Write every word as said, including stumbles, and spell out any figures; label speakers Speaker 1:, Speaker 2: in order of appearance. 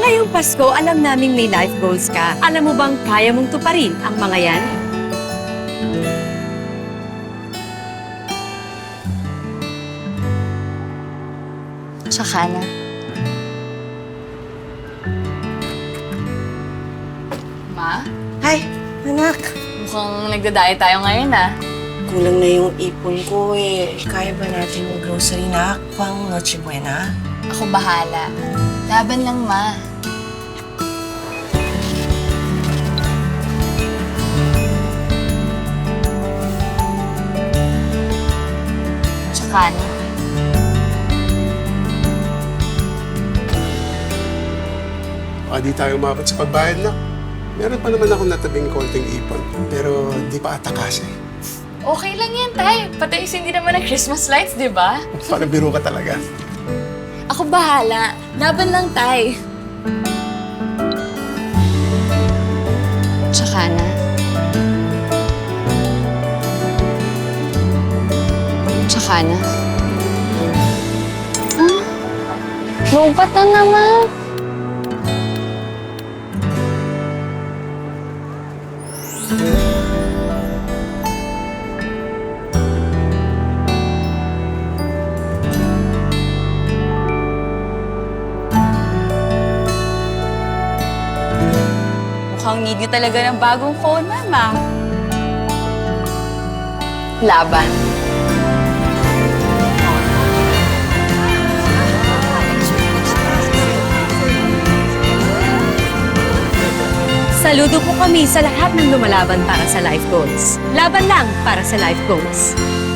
Speaker 1: Ngayong Pasko, alam naming may life goals ka. Alam mo bang kaya mong tuparin ang mga yan?
Speaker 2: Tsaka na. Ma,
Speaker 3: Ay, anak.
Speaker 2: mukhang nagdadayo tayo ngayon ah.
Speaker 3: Kulang na yung ipon ko eh. Kaya ba natin yung grocery na pang Noche Buena?
Speaker 2: Ako bahala. Laban lang, ma. Tsaka na.
Speaker 4: Baka di tayo umabot sa pagbayad na. Meron pa naman akong natabing konting ipon, pero di pa ata kasi.
Speaker 2: Okay lang yan, tay. Pataisin din naman ng Christmas lights, di ba?
Speaker 4: Parang biro ka talaga.
Speaker 2: Ako bahala. Laban lang, tay. Tsaka na. Tsaka na. Ah, lupat na naman. Mukhang need niyo talaga ng bagong phone, mama. Laban.
Speaker 1: Saludo po kami sa lahat ng lumalaban para sa life goals. Laban lang para sa life goals.